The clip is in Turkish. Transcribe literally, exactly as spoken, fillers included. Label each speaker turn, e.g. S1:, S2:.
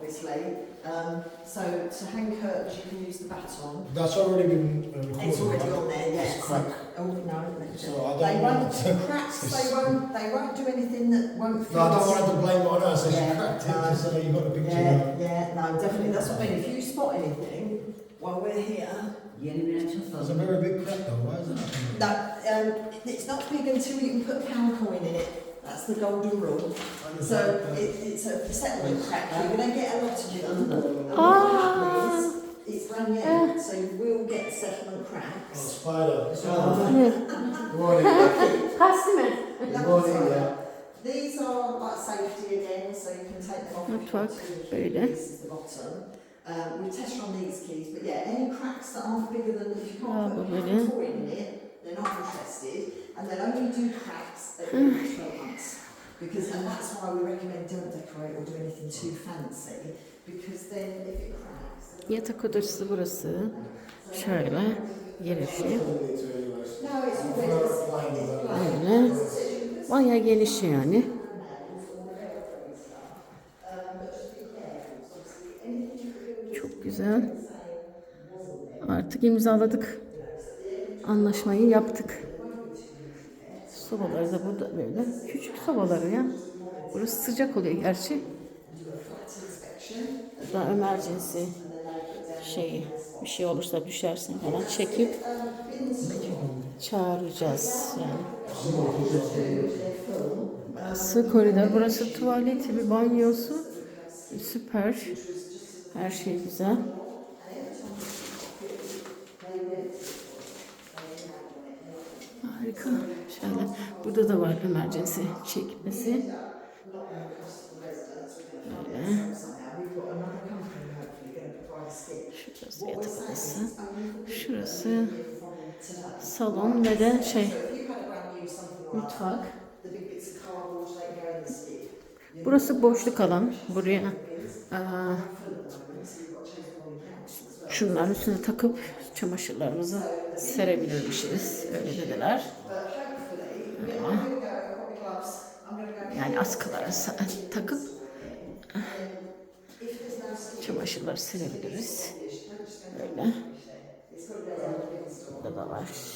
S1: obviously. Um, so to hang curtains, you can use the baton.
S2: That's already been uh, recorded.
S1: It's already on there, yeah.
S2: It's crack.
S1: So, oh no,
S2: So I don't
S1: they
S2: want
S1: won't
S2: to-
S1: cracks. They won't. They won't do anything that won't.
S2: No, I don't want to blame it on her, so
S1: Yeah,
S2: she cracked it,
S1: no.
S2: so you got the picture.
S1: Yeah, yeah, no, definitely. That's what I mean. If you spot anything while we're here,
S2: It's a very big crack though, why is it happening?
S1: that um, it's not big until you can put a pound coin in it. That's the golden rule. So it, it's a settlement crack. You're going to get a lot of them. And what will happen is it's brand new, so you will get settlement
S2: Oh,
S1: cracks.
S2: spider.
S1: Oh.
S3: Pastı mı?
S1: Good morning, yeah. These are like safety again, so you can take them off.
S3: Mutfak
S1: This
S3: böyle.
S1: is the bottom. Um, we test on these keys, but yeah, any cracks that aren't bigger than if you
S3: Aa,
S1: can't
S3: bu
S1: put a
S3: böyle.
S1: pound coin in it, they're not interested, and they'll only do cracks at every twelve months. Because, and that's why we recommend don't decorate or do anything too fancy, because then if it cracks.
S3: Yatak odası burası. Şöyle girişi.
S1: No, it's always
S3: Böyle. Bayağı geniş yani. Çok güzel. Artık imzaladık. Anlaşmayı yaptık. Sobaları da burada böyle. Küçük sobaları ya. Burası sıcak oluyor gerçi. Burada emergency şeyi, bir şey olursa düşersin falan çekip çağıracağız yani. Burası koridor, burası tuvaleti, bir banyosu. Süper. Her şey güzel. Harika. Şöyle. Burada da var emergency çekmesi. Böyle. Şurası yatak odası. Şurası salon ve de şey mutfak. Burası boşluk alan. Buraya aa, şunların üstüne takıp çamaşırlarımızı serebilirmişiz. Öyle dediler. Öyle. Yani askılara takıp çamaşırları serebiliriz. Böyle. Burada da var.